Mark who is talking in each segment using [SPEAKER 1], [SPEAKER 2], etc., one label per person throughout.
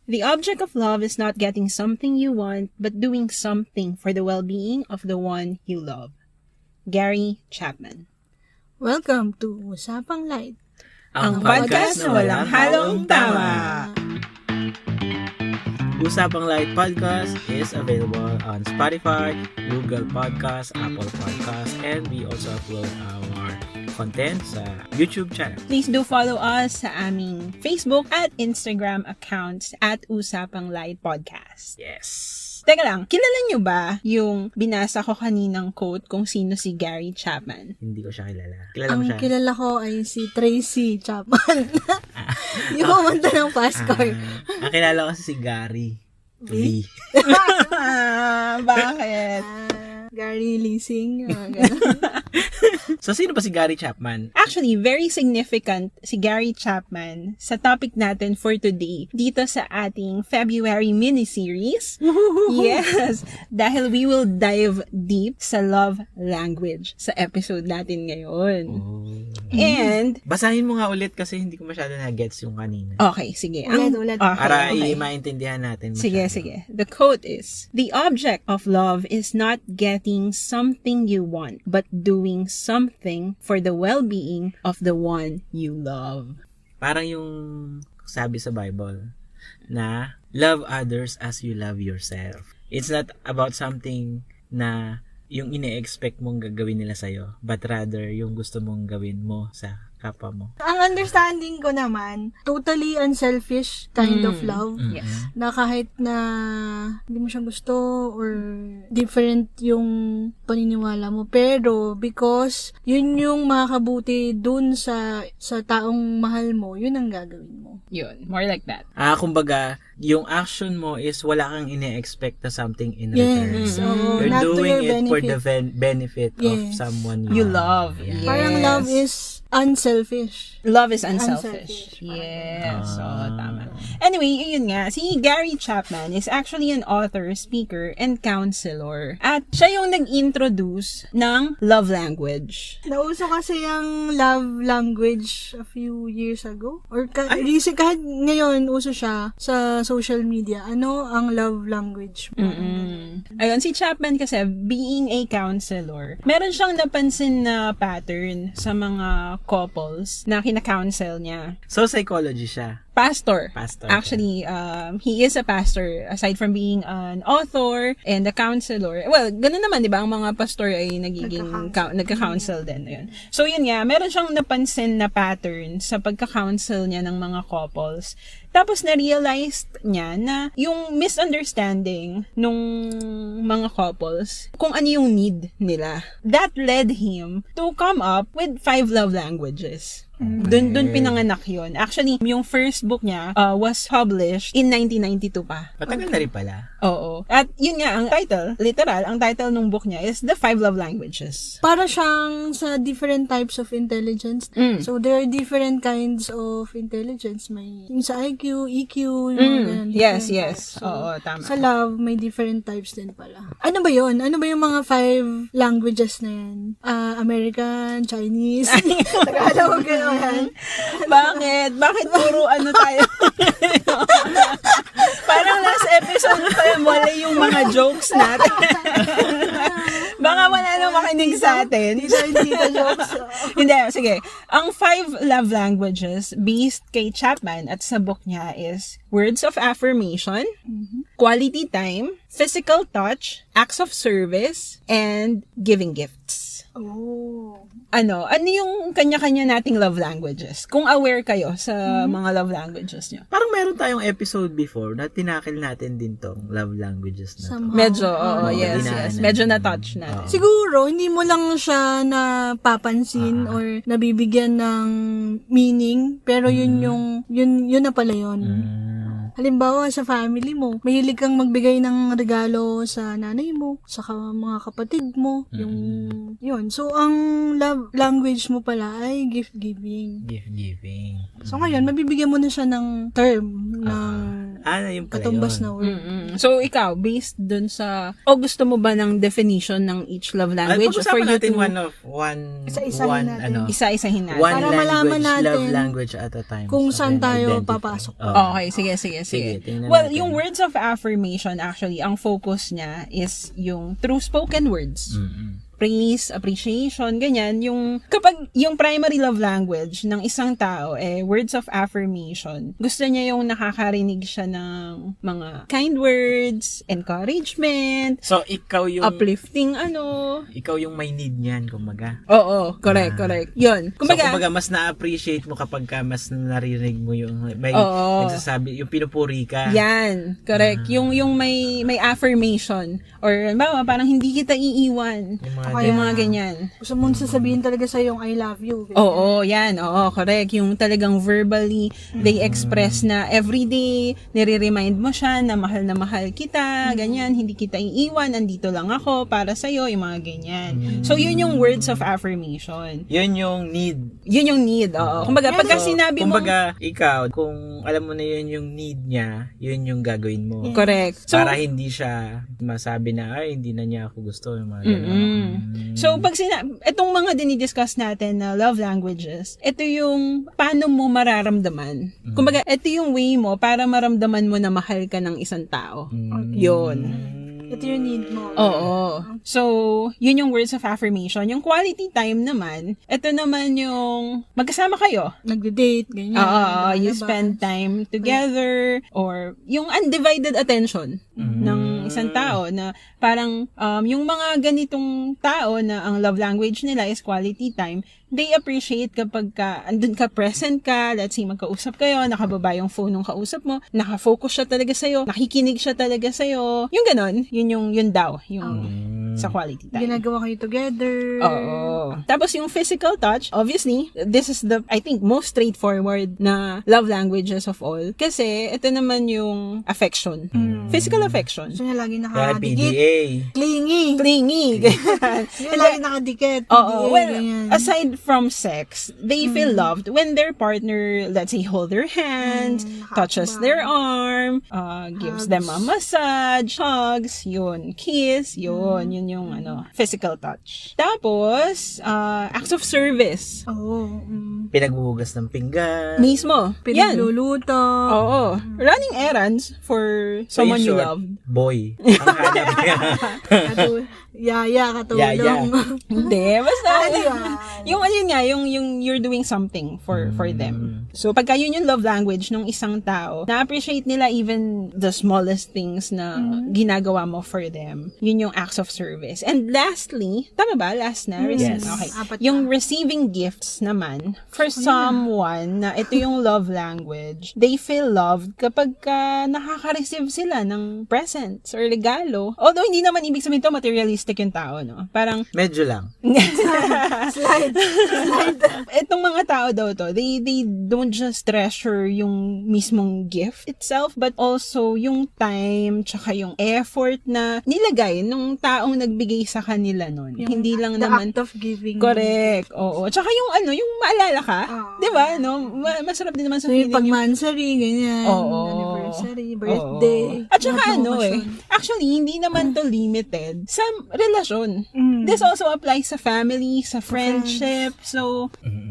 [SPEAKER 1] The object of love is not getting something you want, but doing something for the well-being of the one you love. Gary Chapman.
[SPEAKER 2] Welcome to Usapang Light.
[SPEAKER 1] Ang podcast na walang halong tama.
[SPEAKER 3] Usapang Light Podcast is available on Spotify, Google Podcasts, Apple Podcasts, and we also upload our content sa YouTube channel.
[SPEAKER 1] Please do follow us sa aming Facebook at Instagram accounts at Usapang Light Podcast.
[SPEAKER 3] Yes.
[SPEAKER 1] Teka lang, kilala nyo ba yung binasa ko kaninang quote kung sino si Gary Chapman?
[SPEAKER 3] Hindi ko siya kilala. Kilala mo
[SPEAKER 2] Ang
[SPEAKER 3] siya?
[SPEAKER 2] kilala ko ay si Tracy Chapman. Yung pumunta ng Pascor.
[SPEAKER 3] Ang kilala ko si Gary V.
[SPEAKER 1] Bakit?
[SPEAKER 2] Gary Leasing. Ganun.
[SPEAKER 3] So, sino ba si Gary Chapman?
[SPEAKER 1] Actually, very significant si Gary Chapman sa topic natin for today dito sa ating February mini-series. Yes! Dahil we will dive deep sa love language sa episode natin ngayon.
[SPEAKER 3] Oh.
[SPEAKER 1] And,
[SPEAKER 3] Basahin mo nga ulit kasi hindi ko masyado na-gets yung kanina.
[SPEAKER 1] okay, sige.
[SPEAKER 2] Ulit.
[SPEAKER 1] Okay,
[SPEAKER 3] Para
[SPEAKER 1] okay.
[SPEAKER 3] maintindihan natin masyado.
[SPEAKER 1] Sige. The quote is, "The object of love is not getting something you want, but doing something for the well-being of the one you love."
[SPEAKER 3] Parang yung sabi sa Bible na love others as you love yourself. It's not about something na yung ine-expect mong gagawin nila sa'yo, but rather yung gusto mong gawin mo sa kapwa mo.
[SPEAKER 2] Ang understanding ko naman, totally unselfish kind of love.
[SPEAKER 1] Yes.
[SPEAKER 2] Na kahit na hindi mo siya gusto or different yung paniniwala mo. Pero because yun yung makakabuti dun sa taong mahal mo, yun ang gagawin mo.
[SPEAKER 1] Yun, more like that.
[SPEAKER 3] Kumbaga, yung action mo is wala kang ine-expect na something in return.
[SPEAKER 2] Yes. So,
[SPEAKER 3] You're
[SPEAKER 2] not to
[SPEAKER 3] doing
[SPEAKER 2] your
[SPEAKER 3] it for the
[SPEAKER 2] benefit.
[SPEAKER 3] benefit of
[SPEAKER 2] Yes.
[SPEAKER 3] someone
[SPEAKER 1] You love.
[SPEAKER 3] Yeah.
[SPEAKER 1] Yes.
[SPEAKER 2] Parang love is unselfish.
[SPEAKER 1] Love is unselfish.
[SPEAKER 2] Unselfish.
[SPEAKER 1] Yes. Tama. Anyway, yun nga. Si Gary Chapman is actually an author, speaker, and counselor. At siya yung nag-introduce ng love language.
[SPEAKER 2] Nauso kasi yung love language a few years ago. Or recent, kahit ngayon, uso siya sa social media. Ano ang love language mo?
[SPEAKER 1] Ayun, si Chapman kasi, being a counselor, meron siyang napansin na pattern sa mga couples na kina-counsel niya.
[SPEAKER 3] So, psychology siya.
[SPEAKER 1] Pastor.
[SPEAKER 3] Pastor.
[SPEAKER 1] Actually, he is a pastor aside from being an author and a counselor. Well, ganun naman, di ba? Ang mga pastor ay nagka-counsel din. Ayun. So, yun nga, meron siyang napansin na pattern sa pagka-counsel niya ng mga couples. Tapos, na-realized niya na yung misunderstanding nung mga couples, kung ano yung need nila. That led him to come up with 5 love languages. Dun pinanganak yun. Actually, yung first book niya was published in 1992 pa.
[SPEAKER 3] Matagal na rin pala.
[SPEAKER 1] Oo. At yun nga, ang title, literal, ang title ng book niya is The 5 Love Languages.
[SPEAKER 2] Para siyang sa different types of intelligence. So, there are different kinds of intelligence. May yung sa IQ, EQ, yung mga
[SPEAKER 1] Yes.
[SPEAKER 2] types. So,
[SPEAKER 1] Oo, tama.
[SPEAKER 2] sa love, may different types din pala. Ano ba yun? Ano ba yung mga 5 languages na yan? American, Chinese, Tagalog, gano'n.
[SPEAKER 1] Bakit? Bakit puro ano tayo? Parang last episode pa yung wala yung mga jokes natin. Baka wala nang makinig sa atin.
[SPEAKER 2] Hindi ka jokes.
[SPEAKER 1] Hindi, sige. Ang 5 love languages based kay Chapman at sa book niya is words of affirmation, quality time, physical touch, acts of service, and giving gifts.
[SPEAKER 2] Oh.
[SPEAKER 1] Ano yung kanya-kanya nating love languages? Kung aware kayo sa mga love languages niyo.
[SPEAKER 3] Parang meron tayong episode before na tinakil natin din tong love languages na to.
[SPEAKER 2] Somehow.
[SPEAKER 1] Medyo, yes.
[SPEAKER 3] dinaanan.
[SPEAKER 1] Medyo na-touch natin.
[SPEAKER 2] Siguro, hindi mo lang siya napapansin or nabibigyan ng meaning, pero yun na pala yun. Halimbawa, sa family mo, mahilig kang magbigay ng regalo sa nanay mo, sa mga kapatid mo, yun. So, ang love language mo pala ay gift-giving.
[SPEAKER 3] Gift giving.
[SPEAKER 2] So, ngayon, mabibigyan mo na siya ng term, ng
[SPEAKER 3] Yung pala
[SPEAKER 2] katumbas
[SPEAKER 3] yun.
[SPEAKER 2] na word.
[SPEAKER 1] So, ikaw, based dun sa, gusto mo ba ng definition ng each love language?
[SPEAKER 3] Pag-usapan natin
[SPEAKER 2] Isa-isahin natin.
[SPEAKER 1] Isa-isahin natin.
[SPEAKER 3] one
[SPEAKER 2] Para
[SPEAKER 3] language,
[SPEAKER 2] malaman natin
[SPEAKER 3] love language at a time.
[SPEAKER 2] kung
[SPEAKER 3] So,
[SPEAKER 2] saan
[SPEAKER 3] then
[SPEAKER 2] tayo
[SPEAKER 3] identify.
[SPEAKER 2] papasok.
[SPEAKER 1] Okay, sige.
[SPEAKER 3] Sige, tingnan
[SPEAKER 1] Well,
[SPEAKER 3] natin.
[SPEAKER 1] yung words of affirmation, actually, ang focus niya is yung through spoken words. Praise, appreciation, ganyan. Yung, kapag yung primary love language ng isang tao, words of affirmation, gusto niya yung nakakarinig siya ng mga kind words, encouragement,
[SPEAKER 3] So, ikaw yung
[SPEAKER 1] uplifting
[SPEAKER 3] ikaw yung may need niyan, kumbaga.
[SPEAKER 1] Oo, correct. Yun.
[SPEAKER 3] Kumbaga, mas na-appreciate mo kapag ka mas naririnig mo yung may nagsasabi, yung pinupuri ka.
[SPEAKER 1] Yan, correct. Yung may affirmation or parang hindi kita iiwan. Yung mga ganyan.
[SPEAKER 2] Gusto mo sasabihin talaga sa yung I love you. Ganyan.
[SPEAKER 1] Oo, yan. Oo, correct. Yung talagang verbally, they express na everyday, nire-remind mo siya na mahal kita, ganyan, hindi kita iiwan, andito lang ako para sa'yo, yung mga ganyan. So, yun yung words of affirmation.
[SPEAKER 3] Yun yung need.
[SPEAKER 1] Yun yung need, oo. Kumbaga, pagka sinabi mo,
[SPEAKER 3] kumbaga, ikaw, kung alam mo na yun yung need niya, yun yung gagawin mo.
[SPEAKER 1] correct. So,
[SPEAKER 3] Para hindi siya masabi na, ay, hindi na niya ako gusto, yung mga ganun.
[SPEAKER 1] So, pag itong mga dinidiscuss natin na love languages, ito yung paano mo mararamdaman. Kumbaga, ito yung way mo para maramdaman mo na mahal ka ng isang tao. Yun.
[SPEAKER 2] Ito yung need mo.
[SPEAKER 1] Oo. So, yun yung words of affirmation. Yung quality time naman, ito naman yung magkasama kayo.
[SPEAKER 2] Nagde-date, ganyan.
[SPEAKER 1] You spend time together or yung undivided attention ng isang tao na parang yung mga ganitong tao na ang love language nila is quality time, they appreciate kapag andun ka, present ka, let's say magkausap kayo, nakababa yung phone ng kausap mo, nakafocus siya talaga sa'yo, nakikinig siya talaga sa'yo, yung ganon, yun daw, yung sa quality time.
[SPEAKER 2] Ginagawa kayo together.
[SPEAKER 1] Oo. Tapos yung physical touch, obviously, this is the, I think, most straightforward na love languages of all. Kasi, ito naman yung affection. Physical affection.
[SPEAKER 2] Gusto niya lagi
[SPEAKER 3] Kaya
[SPEAKER 2] nakadikit.
[SPEAKER 3] PDA.
[SPEAKER 2] Clingy.
[SPEAKER 1] Clingy.
[SPEAKER 2] Gusto niya lagi nakadikit.
[SPEAKER 1] Oo.
[SPEAKER 2] PDA,
[SPEAKER 1] Well,
[SPEAKER 2] ganyan.
[SPEAKER 1] aside from sex, they feel loved when their partner, let's say, hold their hands, touches their arm, gives them a massage, hugs, yun, kiss, yun yung physical touch. Tapos, acts of service.
[SPEAKER 2] Oo.
[SPEAKER 3] Pinaghuhugas ng pinggan.
[SPEAKER 1] Mismo. Yan.
[SPEAKER 2] Pinagluluto.
[SPEAKER 1] Oo. Running errands for
[SPEAKER 3] So,
[SPEAKER 1] someone
[SPEAKER 3] in
[SPEAKER 1] you
[SPEAKER 3] short,
[SPEAKER 1] love.
[SPEAKER 3] boy. Ang hanap niya.
[SPEAKER 2] Yaya, katulong.
[SPEAKER 3] Yaya.
[SPEAKER 1] Hindi, basta
[SPEAKER 2] Ayan.
[SPEAKER 1] yung you're doing something for them. So pagka yun yung love language ng isang tao, na-appreciate nila even the smallest things na ginagawa mo for them. Yun yung acts of service. And lastly, tama ba? Last na?
[SPEAKER 3] Yes.
[SPEAKER 1] Okay.
[SPEAKER 2] Apat
[SPEAKER 1] Yung receiving gifts naman, for someone na ito yung love language, they feel loved kapag nakaka-receive sila ng presents or regalo. Although hindi naman ibig sabihin to materialistic yung tao, no? Parang
[SPEAKER 3] Medyo lang.
[SPEAKER 2] Slide.
[SPEAKER 1] etong mga tao daw to, they don't just treasure yung mismong gift itself, but also yung time, tsaka yung effort na nilagay nung taong nagbigay sa kanila nun. Hindi lang
[SPEAKER 2] The
[SPEAKER 1] naman,
[SPEAKER 2] act of giving.
[SPEAKER 1] correct, oo. Tsaka yung yung maalala ka, di ba, no? Masarap din naman sa
[SPEAKER 2] So, yung
[SPEAKER 1] feeling
[SPEAKER 2] pag-mansary, ganyan.
[SPEAKER 1] Oo.
[SPEAKER 2] Anniversary, birthday.
[SPEAKER 1] Oo. At saka
[SPEAKER 2] Occasion.
[SPEAKER 1] actually, hindi naman to limited sa relasyon. This also applies sa family, sa friendship. So,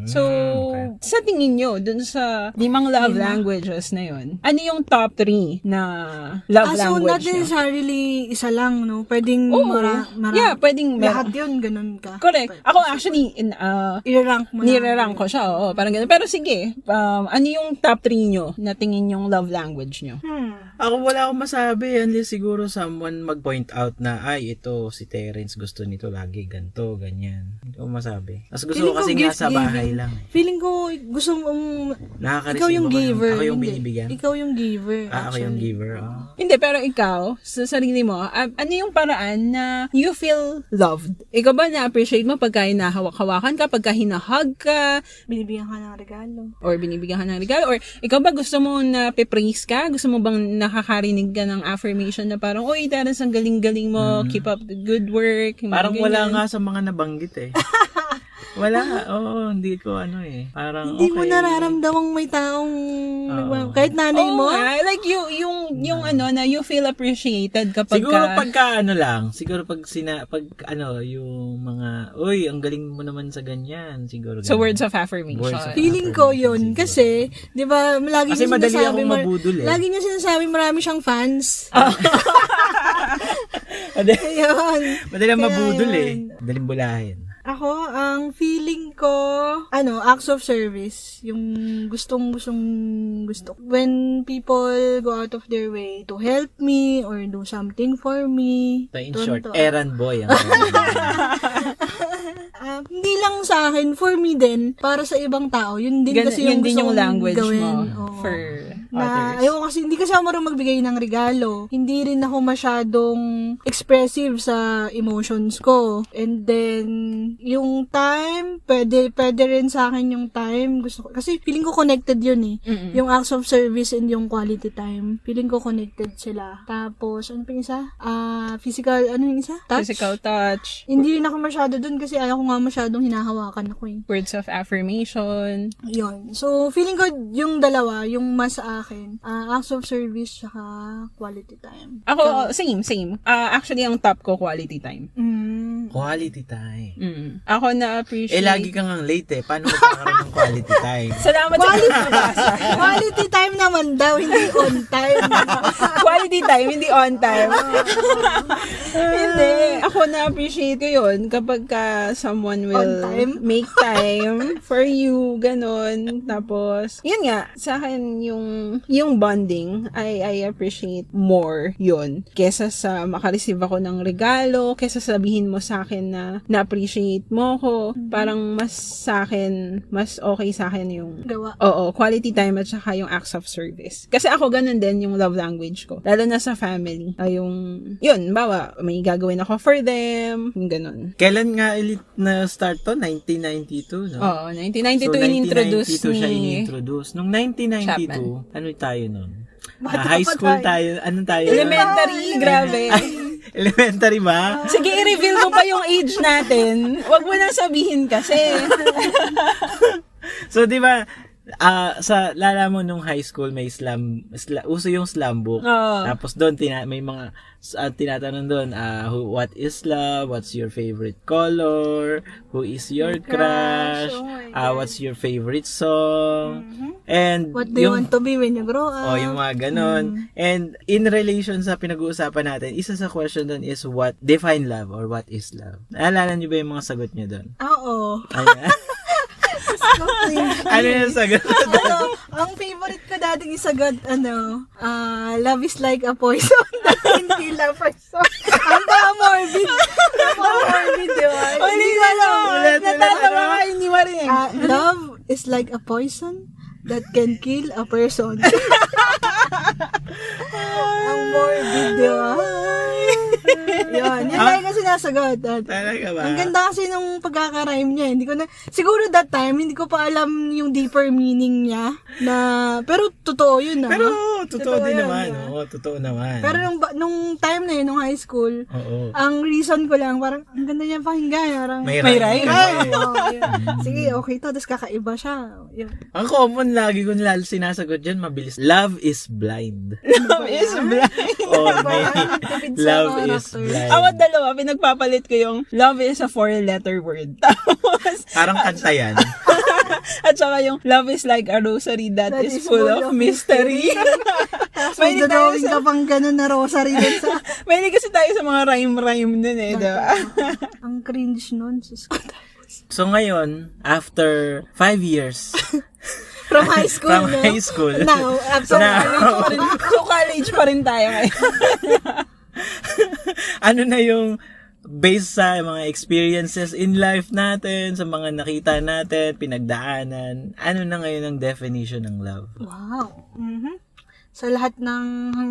[SPEAKER 1] sa tingin nyo, dun sa 5 love languages na yun, ano yung top 3 na love
[SPEAKER 2] So, not
[SPEAKER 1] language nyo?
[SPEAKER 2] necessarily isa lang, no? Pwedeng
[SPEAKER 1] Oo. Yeah, pwedeng
[SPEAKER 2] lahat yun, ganun ka.
[SPEAKER 1] Correct. Ako actually,
[SPEAKER 2] I-rank mo na.
[SPEAKER 1] nire-rank ko siya, oo, parang ganun. Pero sige, ano yung top 3 nyo na tingin yung love language nyo?
[SPEAKER 3] Ako wala akong masabi. Unless siguro someone mag-point out na, ay, ito, si Terence gusto nito lagi, ganto, ganyan. Hindi ko masabi. Mas gusto
[SPEAKER 2] Feeling
[SPEAKER 3] ko kasi
[SPEAKER 2] ko
[SPEAKER 3] nga
[SPEAKER 2] gift
[SPEAKER 3] sa bahay
[SPEAKER 2] giving.
[SPEAKER 3] lang.
[SPEAKER 2] Feeling ko, gusto mong,
[SPEAKER 3] Nakaka-receive
[SPEAKER 2] ikaw yung
[SPEAKER 3] ako
[SPEAKER 2] giver.
[SPEAKER 3] Ako yung
[SPEAKER 2] Hindi.
[SPEAKER 3] binibigyan.
[SPEAKER 2] Ikaw yung giver.
[SPEAKER 3] Ako yung giver.
[SPEAKER 1] Hindi, pero ikaw, sa sarili mo, ano yung paraan na you feel loved? Ikaw ba na-appreciate mo pagka hinahawak-hawakan ka, pagka hinahug ka,
[SPEAKER 2] Binibigyan ka ng regalo.
[SPEAKER 1] or binibigyan ka ng regalo, or ikaw ba gusto mo na pe-praise ka? Gusto mo bang nakakarinig ka ng affirmation na parang, oy, Terence, ang galing-galing mo, keep up the good work. yung mga
[SPEAKER 3] Parang wala
[SPEAKER 1] ganyan.
[SPEAKER 3] nga sa mga nabanggit eh. Wala. Oo, hindi ko Parang
[SPEAKER 2] Hindi
[SPEAKER 3] okay.
[SPEAKER 2] mo nararamdamang may taong, kahit nanay
[SPEAKER 1] Oo
[SPEAKER 2] mo,
[SPEAKER 1] nga, like yung yung ano, na you feel appreciated kapag
[SPEAKER 3] Siguro pagka ano lang, siguro pag yung mga, uy, ang galing mo naman sa ganyan, siguro.
[SPEAKER 1] So,
[SPEAKER 3] ganun.
[SPEAKER 1] words of affirmation.
[SPEAKER 3] Words of
[SPEAKER 2] Feeling ko yun.
[SPEAKER 3] Siguro.
[SPEAKER 2] Kasi, di ba, lagi
[SPEAKER 3] Kasi
[SPEAKER 2] niya
[SPEAKER 3] madali
[SPEAKER 2] sinasabi,
[SPEAKER 3] akong mabudol eh.
[SPEAKER 2] lagi niya sinasabi marami siyang fans.
[SPEAKER 3] Madali,
[SPEAKER 2] Ayun.
[SPEAKER 3] madali ang
[SPEAKER 2] Kaya
[SPEAKER 3] mabudol
[SPEAKER 2] yun.
[SPEAKER 3] eh. Madaling bulahin.
[SPEAKER 2] Ako, ang feeling ko, acts of service. Yung gusto. When people go out of their way to help me or do something for me.
[SPEAKER 3] So in
[SPEAKER 2] Tonto.
[SPEAKER 3] short, errand boy ang
[SPEAKER 2] Hindi lang sa akin, for me din, para sa ibang tao. Yun din kasi
[SPEAKER 1] Yun
[SPEAKER 2] yung
[SPEAKER 1] din
[SPEAKER 2] gusto
[SPEAKER 1] yung
[SPEAKER 2] kong
[SPEAKER 1] language
[SPEAKER 2] gawin.
[SPEAKER 1] mo
[SPEAKER 2] Oo.
[SPEAKER 1] for
[SPEAKER 2] Na,
[SPEAKER 1] others.
[SPEAKER 2] ayoko kasi, hindi kasi ako marunong magbigay ng regalo. Hindi rin ako masyadong expressive sa emotions ko. And then, yung time, pwede rin sa akin yung time. Gusto ko, kasi feeling ko connected yun eh.
[SPEAKER 1] Mm-mm.
[SPEAKER 2] Yung acts of service and yung quality time. Feeling ko connected sila. Tapos, ano pa yung isa? Physical, ano yung isa? Touch?
[SPEAKER 1] Physical touch,
[SPEAKER 2] Hindi rin ako masyado dun kasi ayaw ko nga masyadong hinahawakan ako eh.
[SPEAKER 1] words of affirmation.
[SPEAKER 2] Yun. So, feeling ko yung dalawa, yung mas sa akin, acts of service saka quality time.
[SPEAKER 1] Ako, same. Actually, ang top ko, quality time.
[SPEAKER 3] Quality time.
[SPEAKER 1] Ako na-appreciate.
[SPEAKER 3] Lagi kang ang late eh. Paano magkakaroon ng quality time?
[SPEAKER 1] Salamat sa pagbabasa.
[SPEAKER 2] Quality time naman daw, hindi on time.
[SPEAKER 1] Quality time, hindi on time. Hindi. Ako na-appreciate ko yun kapag someone will
[SPEAKER 2] On time?
[SPEAKER 1] make time for you, ganon. Tapos, yun nga, sa akin yung bonding, I appreciate more yun. Kesa sa makareceive ako ng regalo, kesa sabihin mo sa akin na na-appreciate mo ko, parang mas sa akin, mas okay sa akin yung
[SPEAKER 2] Gawa.
[SPEAKER 1] Oo, quality time at saka yung acts of service. Kasi ako ganun din yung love language ko. Lalo na sa family. Yun, bawa, may gagawin ako for them, yung ganun.
[SPEAKER 3] Kailan nga ulit na start to? 1992, no?
[SPEAKER 1] Oo, 1992
[SPEAKER 3] So,
[SPEAKER 1] in-introduce
[SPEAKER 3] 1992 siya
[SPEAKER 1] ni...
[SPEAKER 3] in-introduce. Nung 1992, ano tayo nun?
[SPEAKER 2] Bata
[SPEAKER 3] High
[SPEAKER 2] pa
[SPEAKER 3] school
[SPEAKER 2] tayo.
[SPEAKER 3] tayo. Ano tayo?
[SPEAKER 1] Elementary, grabe.
[SPEAKER 3] Elementary ba?
[SPEAKER 1] Sige, i-reveal mo pa yung age natin. Huwag mo nang sabihin kasi.
[SPEAKER 3] So, di ba, sa lala mo nung high school may uso yung slam book.
[SPEAKER 1] Oo.
[SPEAKER 3] Tapos doon may mga tinatanong doon, what is love, what's your favorite color, who is your crush,
[SPEAKER 2] Oh my God.
[SPEAKER 3] what's your favorite song, and
[SPEAKER 2] What do you want to be when you grow up?
[SPEAKER 3] yung mga ganon. And in relation sa pinag-uusapan natin, isa sa question doon is what define love or what is love. Naalala niyo ba yung mga sagot niyo doon?
[SPEAKER 2] Oo.
[SPEAKER 3] Ayan. Ano yung sagot?
[SPEAKER 2] Ang favorite ko dating isagot, love is like a poison that can kill a person. Ang morbid. Morbid, di ba?
[SPEAKER 1] Ulit na lang.
[SPEAKER 3] Ulit.
[SPEAKER 1] Natatawa ka, hindi mo rin.
[SPEAKER 2] Love is like a poison that can kill a person. Ang morbid, di ba? Yun lang kasi nasagot.
[SPEAKER 3] Talaga ba?
[SPEAKER 2] Ang ganda kasi nung pagkaka-rhyme niya. Siguro that time, hindi ko pa alam yung deeper meaning niya. Pero totoo yun.
[SPEAKER 3] Pero totoo din
[SPEAKER 2] yun,
[SPEAKER 3] naman.
[SPEAKER 2] di ba?
[SPEAKER 3] Oo, totoo naman.
[SPEAKER 2] Pero nung time na yun, nung high school,
[SPEAKER 3] Oo.
[SPEAKER 2] ang reason ko lang, parang, ang ganda niya pakinggan. Parang,
[SPEAKER 3] May
[SPEAKER 1] rhyme.
[SPEAKER 3] rhyme.
[SPEAKER 2] Oo, yun. Sige, okay to. Tapos kakaiba siya. Yun.
[SPEAKER 3] Ang common lagi ko nila sinasagot dyan, mabilis. Love is blind.
[SPEAKER 1] Love is blind.
[SPEAKER 3] Or may
[SPEAKER 2] Tipid sa
[SPEAKER 3] love is
[SPEAKER 2] character.
[SPEAKER 3] blind.
[SPEAKER 1] Ako dalawa, pinagpapalit ko yung love is a 4-letter word. Tapos,
[SPEAKER 3] Parang kanta yan.
[SPEAKER 1] at saka yung love is like a rosary that is full of mystery.
[SPEAKER 2] Tapos may drawing ka pang ganun na rosary dun sa...
[SPEAKER 1] Mahilig kasi tayo sa mga rhyme-rhyme nun eh, diba?
[SPEAKER 2] Ang cringe nun. Sus ko.
[SPEAKER 3] So ngayon, after 5 years
[SPEAKER 2] From high school,
[SPEAKER 3] from
[SPEAKER 2] no?
[SPEAKER 3] high school,
[SPEAKER 2] Now, after
[SPEAKER 1] So, college pa rin tayo ngayon.
[SPEAKER 3] ano na yung based sa mga experiences in life natin, sa mga nakita natin, pinagdaanan, ano na ngayon ang definition ng love?
[SPEAKER 2] Wow. Sa lahat ng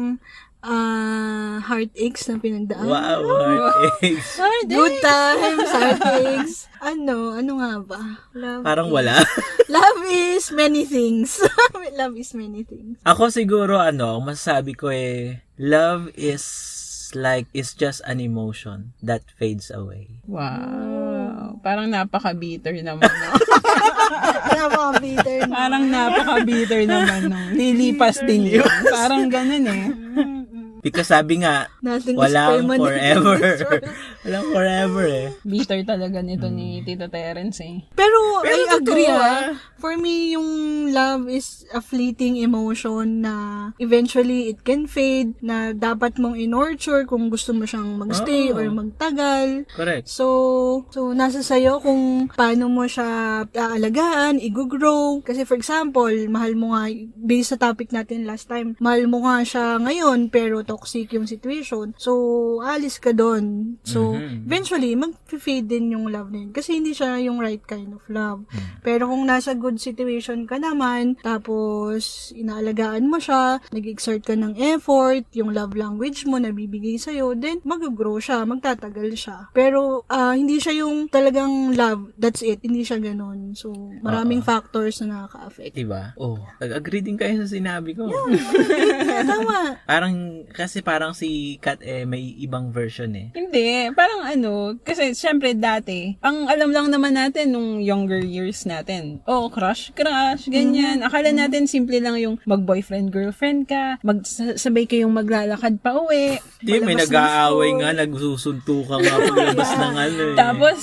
[SPEAKER 2] heartaches na pinagdaan.
[SPEAKER 3] Wow, heartaches.
[SPEAKER 2] Good times, heartaches. Ano nga ba? Love
[SPEAKER 3] Parang
[SPEAKER 2] is-
[SPEAKER 3] wala.
[SPEAKER 2] Love is many things. Love is many things.
[SPEAKER 3] Ako siguro ang masasabi ko love is just an emotion that fades away.
[SPEAKER 1] Wow. Parang napaka-bitter naman. No?
[SPEAKER 2] Napaka-bitter na.
[SPEAKER 1] Parang napaka-bitter naman. No? Lilipas din yun. Parang ganun eh.
[SPEAKER 3] Because sabi nga,
[SPEAKER 2] Nothing is
[SPEAKER 3] walang
[SPEAKER 2] permanent.
[SPEAKER 3] forever. Walang forever eh.
[SPEAKER 1] Bitter talaga nito ni Tito Terence eh.
[SPEAKER 2] Pero
[SPEAKER 3] Pero
[SPEAKER 2] I agree
[SPEAKER 3] totoo,
[SPEAKER 2] For me, yung love is a fleeting emotion na eventually it can fade, na dapat mong in-nurture kung gusto mo siyang magstay or magtagal.
[SPEAKER 3] Correct.
[SPEAKER 2] So nasa sayo kung paano mo siya aalagaan, i-grow. Kasi for example, mahal mo nga, based sa topic natin last time, mahal mo nga siya ngayon, pero toxic yung situation. So, alis ka doon. So, eventually, mag-fade din yung love na yun. Kasi hindi siya yung right kind of love. Pero kung nasa good situation ka naman, tapos inaalagaan mo siya, nag-exert ka ng effort, yung love language mo nabibigay sa'yo, then mag-grow siya, magtatagal siya. Pero, hindi siya yung talagang love, that's it. Hindi siya ganun. So, maraming factors na nakaka-affect.
[SPEAKER 3] Diba? Oh, nag-agree din kayo sa sinabi ko.
[SPEAKER 2] Tama.
[SPEAKER 3] Parang si Kat may ibang version eh.
[SPEAKER 1] Hindi, parang kasi syempre dati, ang alam lang naman natin nung younger years natin, crush, ganyan. Akala natin simple lang yung mag-boyfriend, girlfriend ka, sabay kayong maglalakad pa uwi.
[SPEAKER 3] Di, may
[SPEAKER 1] palabas ng
[SPEAKER 3] nag-aaway
[SPEAKER 1] school.
[SPEAKER 3] nga, nagsusuntukan nga paglabas ng eh.
[SPEAKER 1] Tapos,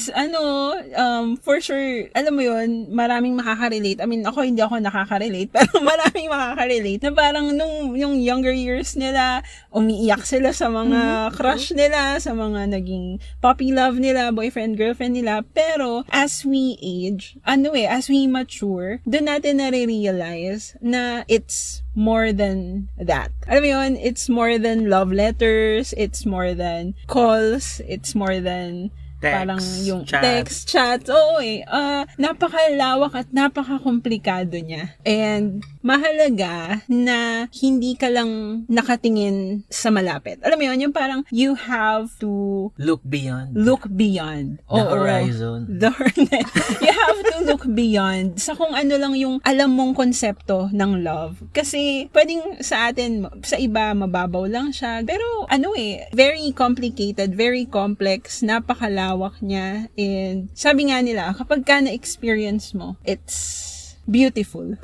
[SPEAKER 1] for sure, alam mo yun, maraming makaka-relate. I mean, hindi ako nakaka-relate, pero maraming makaka-relate na parang nung yung younger years nila, umiiyak sila sa mga crush nila, sa mga naging puppy love nila, boyfriend, girlfriend nila. Pero, as we age, as we mature, doon natin nare-realize na it's more than that. Alam mo yun, it's more than love letters, it's more than calls, it's more than parang yung text, chat. Oo napakalawak at napakakomplikado niya. And mahalaga na hindi ka lang nakatingin sa malapit. Alam mo yun, yung parang you have to
[SPEAKER 3] look beyond.
[SPEAKER 1] The
[SPEAKER 3] horizon.
[SPEAKER 1] You have to look beyond sa kung ano lang yung alam mong konsepto ng love. Kasi pwedeng sa atin, sa iba, mababaw lang siya. Pero very complicated, very complex, napakalawak niya. And sabi nga nila, kapag ka na-experience mo, it's beautiful.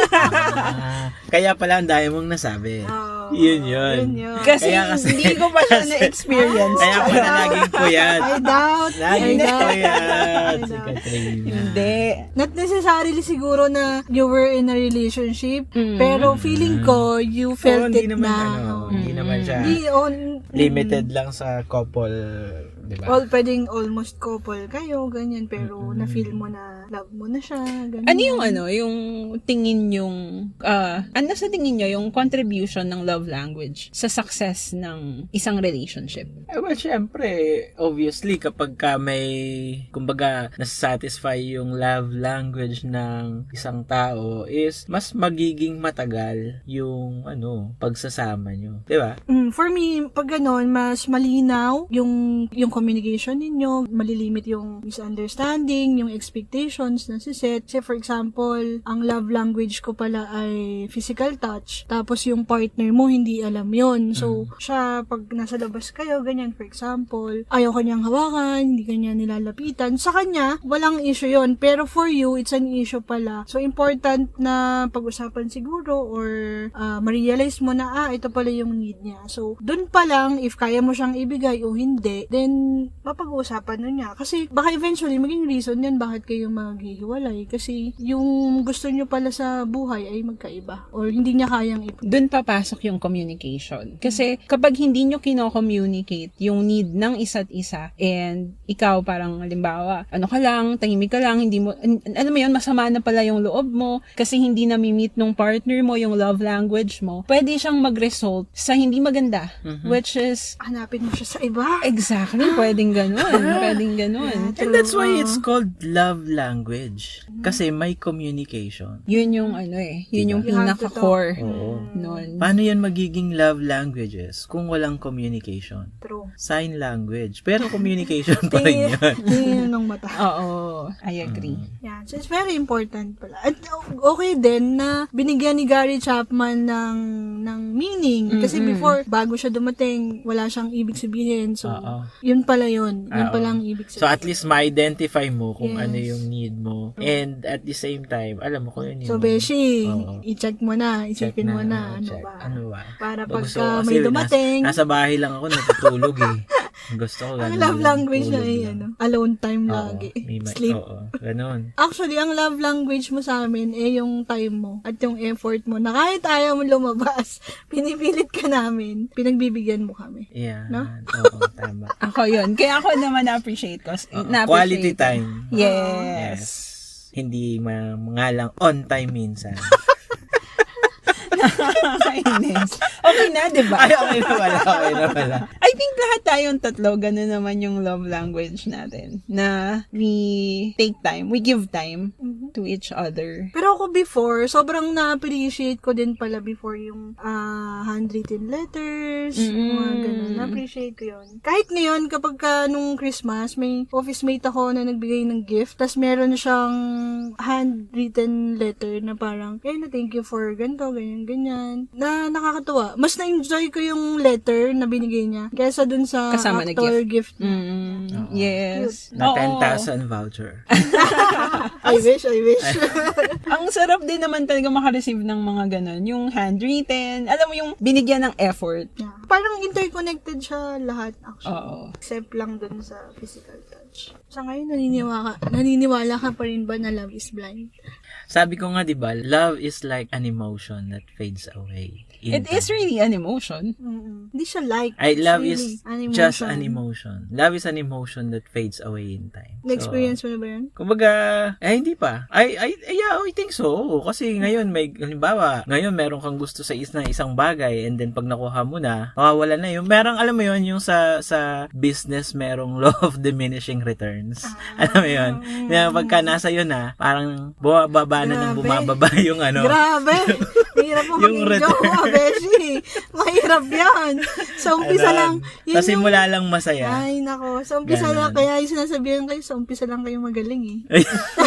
[SPEAKER 3] Kaya pala ang dami mong nasabi. Yun.
[SPEAKER 1] Kasi
[SPEAKER 3] Kaya
[SPEAKER 1] hindi ko pa siya na-experience.
[SPEAKER 3] Kaya pala laging puyat.
[SPEAKER 2] I doubt.
[SPEAKER 3] Laging puyat. Si Katrina.
[SPEAKER 1] Hindi.
[SPEAKER 2] Not necessarily siguro na you were in a relationship, pero feeling ko, you felt
[SPEAKER 3] Hindi
[SPEAKER 2] it
[SPEAKER 3] naman,
[SPEAKER 2] na.
[SPEAKER 3] hindi naman siya limited lang sa couple, di ba?
[SPEAKER 2] Pwedeng almost couple kayo, ganyan, pero na-feel mo na love mo na siya, ganyan.
[SPEAKER 1] Ano yung yung tingin yung, sa tingin nyo yung contribution ng love language sa success ng isang relationship?
[SPEAKER 3] Well, syempre, obviously, kapag ka may, kumbaga, nasasatisfy yung love language ng isang tao is mas magiging matagal yung, pagsasama nyo. Di ba?
[SPEAKER 2] For me, pag ganon, mas malinaw yung communication ninyo, malilimit yung misunderstanding, yung expectations na siset. Say, for example, ang love language ko pala ay physical touch, tapos yung partner mo hindi alam yon. So, siya, pag nasa labas kayo, ganyan, for example, ayaw kanyang hawakan, hindi kanya nilalapitan. Sa kanya, walang issue yon. Pero for you, it's an issue pala. So, important na pag-usapan siguro or ma-realize mo na, ito pala yung need niya. So, dun pa lang, if kaya mo siyang ibigay o hindi, then, mapag-uusapan nun niya. Kasi, baka eventually, maging reason yan bakit kayo maghihiwalay. Kasi, yung gusto nyo pala sa buhay ay magkaiba. Or, hindi niya kayang
[SPEAKER 1] Doon papasok yung communication. Kasi, kapag hindi nyo kino-communicate yung need ng isa't isa, and ikaw parang, halimbawa, ka lang, tahimik ka lang, hindi mo, alam mo yun, masama na pala yung loob mo, kasi hindi na-meet nung partner mo yung love language mo, pwede siyang mag-result sa hindi maganda. Which is,
[SPEAKER 2] hanapin mo siya sa iba.
[SPEAKER 1] exactly, pwedeng ganun.
[SPEAKER 3] And that's why it's called love language. Kasi may communication.
[SPEAKER 1] Yun yung yun yung
[SPEAKER 2] You have to
[SPEAKER 1] pinaka-core
[SPEAKER 3] Oo.
[SPEAKER 1] nun.
[SPEAKER 3] Paano yan magiging love languages kung walang communication?
[SPEAKER 2] True.
[SPEAKER 3] Sign language. Pero communication pa rin yan.
[SPEAKER 2] Tingin ng mata.
[SPEAKER 1] Oo, I agree.
[SPEAKER 2] Yan. So, it's very important pala. At okay din na binigyan ni Gary Chapman ng meaning. Kasi before, bago siya dumating, wala siyang ibig sabihin. So,
[SPEAKER 3] Oo.
[SPEAKER 2] yung pala yun. Yun
[SPEAKER 3] Oo.
[SPEAKER 2] pala ang ibig
[SPEAKER 3] So,
[SPEAKER 2] sabihin.
[SPEAKER 3] at least ma-identify mo kung
[SPEAKER 2] Yes.
[SPEAKER 3] ano yung need mo. And at the same time, alam mo kung ano
[SPEAKER 2] So,
[SPEAKER 3] yung...
[SPEAKER 2] Beshi,
[SPEAKER 3] Oo.
[SPEAKER 2] i-check mo na,
[SPEAKER 3] check
[SPEAKER 2] isipin mo na, ano
[SPEAKER 3] check.
[SPEAKER 2] ba?
[SPEAKER 3] Ano ba?
[SPEAKER 2] Para
[SPEAKER 3] Gusto
[SPEAKER 2] pagka
[SPEAKER 3] ko kasi
[SPEAKER 2] may dumating,
[SPEAKER 3] nasa bahay lang ako natutulog eh. Gusto ko
[SPEAKER 2] ang
[SPEAKER 3] ganun
[SPEAKER 2] love
[SPEAKER 3] lang,
[SPEAKER 2] language niya
[SPEAKER 3] tulog
[SPEAKER 2] ay
[SPEAKER 3] lang.
[SPEAKER 2] alone time
[SPEAKER 3] Oo,
[SPEAKER 2] lagi.
[SPEAKER 3] may
[SPEAKER 2] Sleep.
[SPEAKER 3] Oo, ganun.
[SPEAKER 2] Actually, ang love language mo sa amin yung time mo at yung effort mo na kahit ayaw mo lumabas, pinipilit ka namin, pinagbibigyan mo kami.
[SPEAKER 3] Yeah.
[SPEAKER 2] No?
[SPEAKER 3] Oo, tama.
[SPEAKER 1] Ako yun. Kaya ako naman na-appreciate ko.
[SPEAKER 3] Oo,
[SPEAKER 1] Na-appreciate
[SPEAKER 3] quality
[SPEAKER 1] ko.
[SPEAKER 3] time.
[SPEAKER 1] Yes.
[SPEAKER 3] Hindi mga lang on time minsan.
[SPEAKER 1] Nakakainis. Okay na, di ba?
[SPEAKER 3] Ay, okay na pala.
[SPEAKER 1] I think lahat tayong tatlo, ganun naman yung love language natin. Na we take time, we give time to each other.
[SPEAKER 2] Pero ako before, sobrang na-appreciate ko din pala before yung handwritten letters, yung mga ganun. Na-appreciate ko yun. Kahit ngayon, kapag nung Christmas, may office mate ako na nagbigay ng gift, tas meron siyang handwritten letter na parang, na thank you for ganito, ganyan. Na nakakatuwa. Mas na-enjoy ko yung letter na binigay niya kaysa dun sa
[SPEAKER 1] Kasama na
[SPEAKER 2] actor gift.
[SPEAKER 1] Yes.
[SPEAKER 3] Na
[SPEAKER 1] Oo.
[SPEAKER 3] 10,000 voucher.
[SPEAKER 2] I wish.
[SPEAKER 1] Ang sarap din naman talaga makareceive ng mga ganun. Yung handwritten, alam mo yung binigyan ng effort.
[SPEAKER 2] Yeah. Parang interconnected siya lahat actually.
[SPEAKER 1] Oo.
[SPEAKER 2] Except lang dun sa physical touch. Sa ngayon, naniniwala ka pa rin ba na love is blind?
[SPEAKER 3] Sabi ko nga, di ba, love is like an emotion that fades away.
[SPEAKER 1] It is really an emotion.
[SPEAKER 2] Hindi siya like.
[SPEAKER 3] I love
[SPEAKER 2] it's
[SPEAKER 3] is
[SPEAKER 2] really an
[SPEAKER 3] just
[SPEAKER 2] emotion.
[SPEAKER 3] an emotion. Love is an emotion that fades away in time.
[SPEAKER 2] Na-experience mo na ba yan?
[SPEAKER 3] Kumbaga, hindi pa. Yeah, I think so. Kasi ngayon, halimbawa, ngayon meron kang gusto sa isang bagay and then pag nakuha mo na, mawawala na yun. Merong, alam mo yun, yung sa business, merong law of diminishing returns. Alam mo yun? Na pagka nasa yun na, parang bumababa na ng
[SPEAKER 2] Grabe.
[SPEAKER 3] bumababa yung ano.
[SPEAKER 2] Grabe! Mahirap mo
[SPEAKER 3] Yung
[SPEAKER 2] maging jowa, Beshi. Mahirap yan. Sa umpisa lang. Yun
[SPEAKER 3] Sa simula lang masaya.
[SPEAKER 2] Ay, nako. Sa umpisa
[SPEAKER 3] Ganon.
[SPEAKER 2] lang. Kaya yung sinasabihan kayo, sa umpisa lang kayo magaling eh.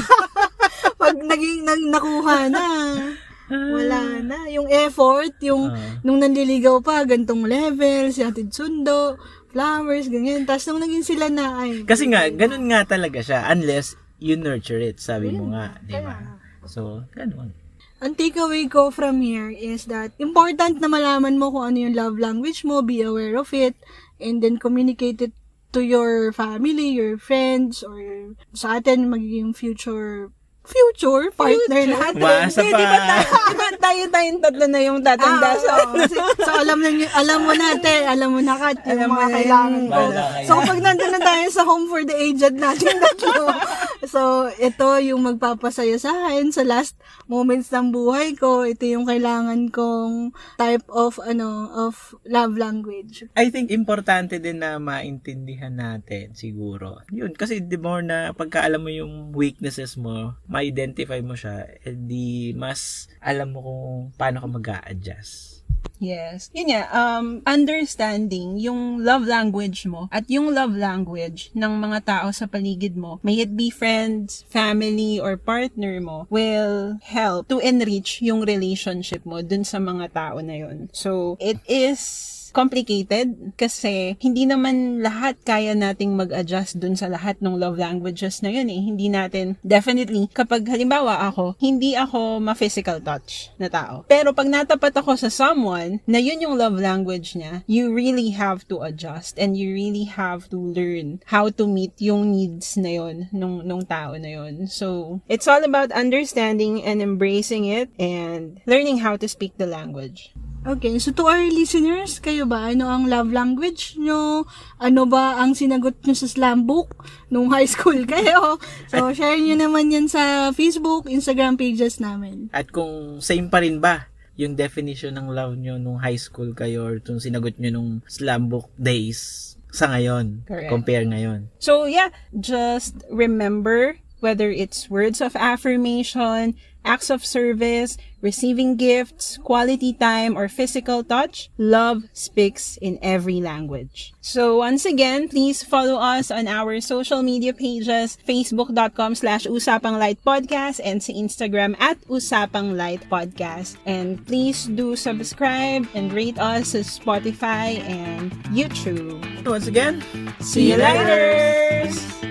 [SPEAKER 2] Pag nakuha na, wala na. Yung effort, nung nanliligaw pa, gantong level, si Atid Sundo, flowers, ganyan. Tapos nung naging sila na, ay.
[SPEAKER 3] Kasi nga, ganun nga talaga siya. Unless you nurture it, sabi mo nga. Di ba? So, ganun.
[SPEAKER 2] Ang takeaway ko from here is that important na malaman mo kung ano yung love language mo, be aware of it, and then communicate it to your family, your friends, or sa atin magiging future partner natin.
[SPEAKER 3] Umaasa
[SPEAKER 1] Hindi,
[SPEAKER 3] pa.
[SPEAKER 1] di ba tayong tatlo na yung tatanda sa...
[SPEAKER 2] So, alam mo natin, alam mo na Kat, yung
[SPEAKER 1] Alam mo
[SPEAKER 2] mga
[SPEAKER 1] na
[SPEAKER 2] kailangan
[SPEAKER 1] yun.
[SPEAKER 2] ko.
[SPEAKER 3] Wala kayo.
[SPEAKER 2] So, pag nandun na tayo sa home for the aged natin tatlo, so, ito yung magpapasaya sa akin sa last moments ng buhay ko. Ito yung kailangan kong type of love language.
[SPEAKER 3] I think importante din na maintindihan natin siguro. Yun, kasi the more na pagka alam mo yung weaknesses mo, ma-identify mo siya, di mas alam mo kung paano ka mag-a-adjust.
[SPEAKER 1] Yes. Yun nga, understanding yung love language mo at yung love language ng mga tao sa paligid mo, may it be friends, family, or partner mo, will help to enrich yung relationship mo dun sa mga tao na yun. So, it is complicated kasi hindi naman lahat kaya nating mag-adjust dun sa lahat ng love languages na yun eh. Hindi natin, definitely, kapag halimbawa ako, hindi ako ma-physical touch na tao. Pero pag natapat ako sa someone na yun yung love language niya, you really have to adjust and you really have to learn how to meet yung needs na yun nung tao na yun. So, it's all about understanding and embracing it and learning how to speak the language.
[SPEAKER 2] Okay, so to our listeners, kayo ba, ano ang love language nyo? Ano ba ang sinagot nyo sa slam book nung high school kayo? So, share nyo naman yan sa Facebook, Instagram pages namin.
[SPEAKER 3] At kung same pa rin ba yung definition ng love nyo nung high school kayo or itong sinagot nyo nung slam book days sa ngayon,
[SPEAKER 1] Correct.
[SPEAKER 3] compare ngayon.
[SPEAKER 1] So yeah, just remember whether it's words of affirmation, acts of service, receiving gifts, quality time, or physical touch, love speaks in every language. So once again, please follow us on our social media pages, facebook.com/usapanglightpodcast and sa Instagram @usapanglightpodcast. And please do subscribe and rate us sa Spotify and YouTube.
[SPEAKER 3] Once again,
[SPEAKER 1] See you later!